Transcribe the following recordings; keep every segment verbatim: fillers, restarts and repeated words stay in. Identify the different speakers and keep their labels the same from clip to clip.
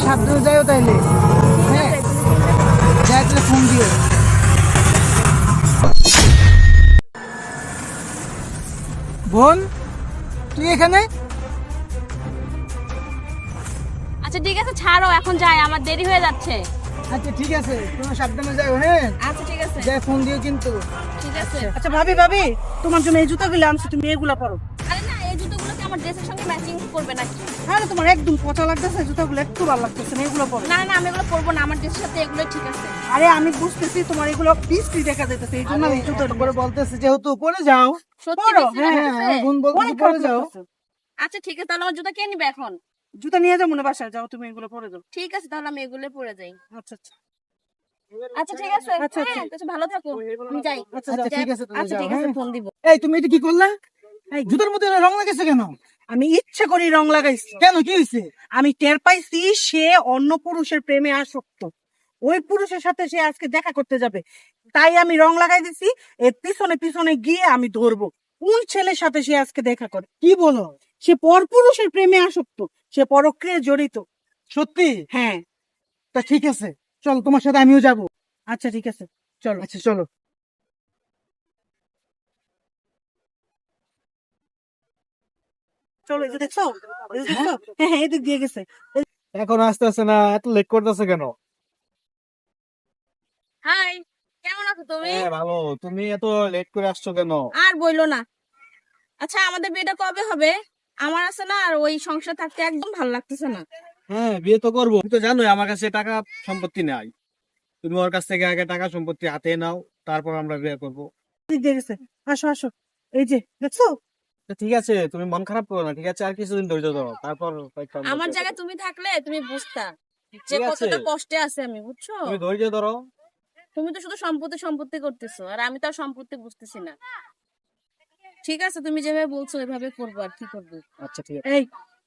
Speaker 1: সাবধানে যাইও তাইলে। হ্যাঁ যাই তাহলে ফোন দিও। বোন তুই এখানে?
Speaker 2: আচ্ছা ঠিক আছে ছাড়ো, এখন যাই, আমার দেরি হয়ে যাচ্ছে।
Speaker 1: আচ্ছা ঠিক আছে, তুমি সাবধানে যাও। হ্যাঁ
Speaker 2: আচ্ছা ঠিক আছে,
Speaker 1: যাই ফোন দিও কিন্তু।
Speaker 2: ঠিক আছে।
Speaker 3: আচ্ছা ভাবি ভাবি তোমার জন্য এই জুতাগুলো আনছি, তুমি এগুলা পরো।
Speaker 2: আরে না, এই জুতোগুলো কি আমার ড্রেসের সঙ্গে ম্যাচিং করবে নাকি?
Speaker 3: আরে তোমার একদম পচা লাগতেছে, জুতাগুলো একটু ভালো লাগতেছে না, এগুলো পরো।
Speaker 2: না না, আমি এগুলো পরবো না, আমার ড্রেসের সাথে এগুলো ঠিক আছে।
Speaker 3: আরে আমি বুঝতেছি তোমার এগুলো বৃষ্টি দেখা যাইতেছে, এই জন্য আমি জুতো
Speaker 1: করে বলতেছে যেহেতু পরে যাও।
Speaker 2: সত্যি
Speaker 3: পরো,
Speaker 2: বৃষ্টি
Speaker 3: হ্যাঁ,
Speaker 2: লাগতেছে?
Speaker 1: হ্যাঁ বোন বলতেছে
Speaker 3: অনেক
Speaker 1: পরে
Speaker 3: খারাপ
Speaker 1: যাও।
Speaker 3: লাগতেছে।
Speaker 2: আচ্ছা ঠিক আছে, তাহলে আমার জুতা কে নিবে এখন?
Speaker 3: জুতা নিয়ে যাও মনে বাসায়, যাও তুমি এগুলো পরে যাও।
Speaker 2: ঠিক আছে, তাহলে আমি এগুলো পরে যাই।
Speaker 3: আচ্ছা আচ্ছা
Speaker 2: আচ্ছা ঠিক আছে,
Speaker 3: আচ্ছা,
Speaker 2: হ্যাঁ
Speaker 3: আচ্ছা।
Speaker 2: তুমি ভালো থাকো, আমি যাই।
Speaker 3: আচ্ছা,
Speaker 1: আচ্ছা
Speaker 3: যাও।
Speaker 1: ঠিক আছে তুমি
Speaker 2: আচ্ছা
Speaker 1: যাও।
Speaker 2: ঠিক আছে,
Speaker 1: হ্যাঁ
Speaker 2: ফোন দিব।
Speaker 1: এই তুমি এটা কি করলা? এই জুতার মধ্যে রং লাগাইছে কেন?
Speaker 3: আমি ইচ্ছে করি রং লাগাইছি।
Speaker 1: কেন কি হয়েছে?
Speaker 3: আমি টের পাইছি সে অন্য পুরুষের প্রেমে আসক্ত, ওই পুরুষের সাথে সে আজকে দেখা করতে যাবে, তাই আমি রং লাগাই দিছি। এর পিছনে পিছনে গিয়ে আমি ধরবো কোন ছেলের সাথে সে আজকে দেখা করে।
Speaker 1: কি বলো?
Speaker 3: সে পর পুরুষের প্রেমে আসক্ত, সে পরক্রিয়ায় জড়িত।
Speaker 1: সত্যি?
Speaker 3: হ্যাঁ
Speaker 1: তা ঠিক আছে চল, তোমার সাথে আমিও যাবো।
Speaker 3: আচ্ছা ঠিক আছে চলো।
Speaker 1: আচ্ছা চলো।
Speaker 3: চলো, এই যে দেখছো, এই যে দেখছো? হ্যাঁ হ্যাঁ এদিক দিয়ে গেছে।
Speaker 1: এখন আসতে আসতে না, এত লেট করতেছে কেন?
Speaker 2: হাই, কেমন আছো তুমি?
Speaker 1: হ্যাঁ ভালো, তুমি এত লেট করে আসছো কেন?
Speaker 2: আর বইলো না। আচ্ছা আমাদের বিয়েটা কবে হবে? আমার আছে না আর ওই সংসার থাকতে একদম ভালো লাগতেছে না।
Speaker 1: হ্যাঁ বিয়ে তো করবো, তুমি তো জানোই আমার কাছে টাকা সম্পত্তি নাই। তুমি ওর কাছ থেকে আগে টাকা সম্পত্তি হাতে নাও, তারপর আমরা বিয়ে করবো।
Speaker 3: এদিক দিয়ে গেছে, আসো আসো, এই যে দেখছো।
Speaker 1: তো ঠিক আছে, তুমি মন খারাপ করো না, ঠিক আছে? আর কিছুদিন ধৈর্য ধরো, তারপর হয়তো আমরা
Speaker 2: আমার
Speaker 1: বিয়ে
Speaker 2: জায়গায়
Speaker 1: করবো।
Speaker 2: তুমি থাকলে তুমি বুঝতা যে
Speaker 1: ঠিক আছে,
Speaker 2: কতটা কষ্টে আছে আমি, বুঝছো?
Speaker 1: তুমি ধৈর্য ধরো।
Speaker 2: তুমি তো শুধু সম্পত্তি সম্পত্তি করতেছো, আর আমি তো আর সম্পত্তি বুঝতেছি না। ঠিক আছে, তুমি যেভাবে বলছো ওইভাবে করবো, আর কি করবো।
Speaker 1: আচ্ছা ঠিক আছে।
Speaker 3: এই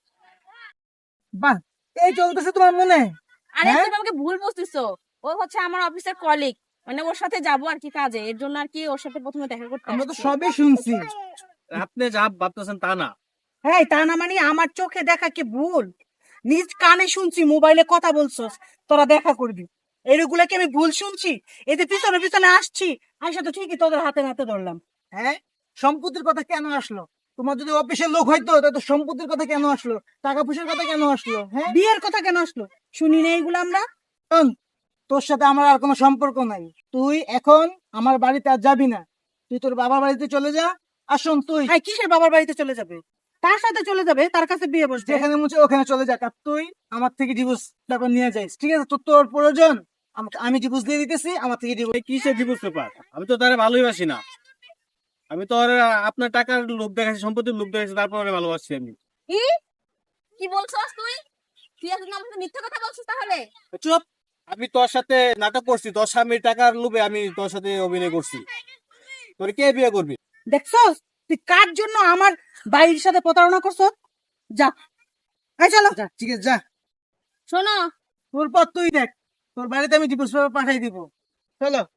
Speaker 1: বাহ, এই চলতেছে তোমার মনে?
Speaker 2: আরে
Speaker 1: হ্যাঁ?
Speaker 2: তুমি আমাকে ভুল বুঝতেছো। ও হচ্ছে আমার অফিসের কলিগ, মানে ওর সাথে যাবো আর কি কাজে, এর জন্য আর কি ওর সাথে প্রথমে দেখা করতে
Speaker 1: আমরা তো
Speaker 2: আসছি।
Speaker 1: সবই শুনছি, আপনি যা ভাবতেছেন তা না।
Speaker 3: এই তা না মানে আমার চোখে দেখা কি ভুল? নিজ কানে শুনছি মোবাইলে কথা বলছস, তোরা দেখা করবি, এগুলা কি আমি ভুল শুনছি? এই যে পিছনে পিছনে আসছি, আইসা তো ঠিকই তোদের হাতে নাতে ধরলাম।
Speaker 1: হ্যাঁ, সম্পত্তির কথা কেন আসলো? তোমার যদি অফিসের লোক হয়তো, তাহলে তো সম্পত্তির কথা কেন আসলো? টাকা পয়সার কথা কেন আসলো? হ্যাঁ,
Speaker 3: বিয়ের কথা কেন আসলো? শুনি না এইগুলো আমরা।
Speaker 1: শোন, তোর সাথে আমার আর কোনো সম্পর্ক নাই। তুই এখন আমার বাড়িতে আর যাবি না, তুই তোর বাবার বাড়িতে চলে যা। আর শোন, তুই
Speaker 3: এই কিসের বাবার বাড়িতে চলে যাবে? তার সাথে চলে যাবে, তার কাছে বিয়ে বসবে।
Speaker 1: যেখানে মুছে ওখানে চলে যা, আর তুই আমার থেকে ডিভোর্স পেপার নিয়ে যাইস, ঠিক আছে? তোর তোর প্রয়োজন, আমাকে আমি ডিভোর্স দিয়ে দিতেছি, আমার থেকে ডিভোর্স। কিসের ডিভোর্স পেপার? আমি তো তারে ভালোই বাসি না। আমি তো ওরে আপনার টাকার লোভ দেখাচ্ছি, সম্পত্তির লোভ দেখাচ্ছি, তারপর ওরে ভালোবাসছি আমি।
Speaker 2: কি কি বলছস তুই? তুই এখন আমার সাথে মিথ্যা কথা বলছিস তাহলে?
Speaker 1: চুপ! আমি তোর সাথে নাটক করছি, তোর স্বামীর টাকার লোভে আমি তোর সাথে অভিনয় করছি। তোর কে বিয়ে করবি?
Speaker 3: দেখছস তুই কার জন্য আমার বাড়ির সাথে প্রতারণা করছস? যা, এই চলো।
Speaker 1: যা, ঠিক আছে যা।
Speaker 2: শোনো,
Speaker 1: তোর পর তুই দেখ, তোর বাড়িতে আমি ডিভোর্স পেপার পাঠাই দিব। চলো।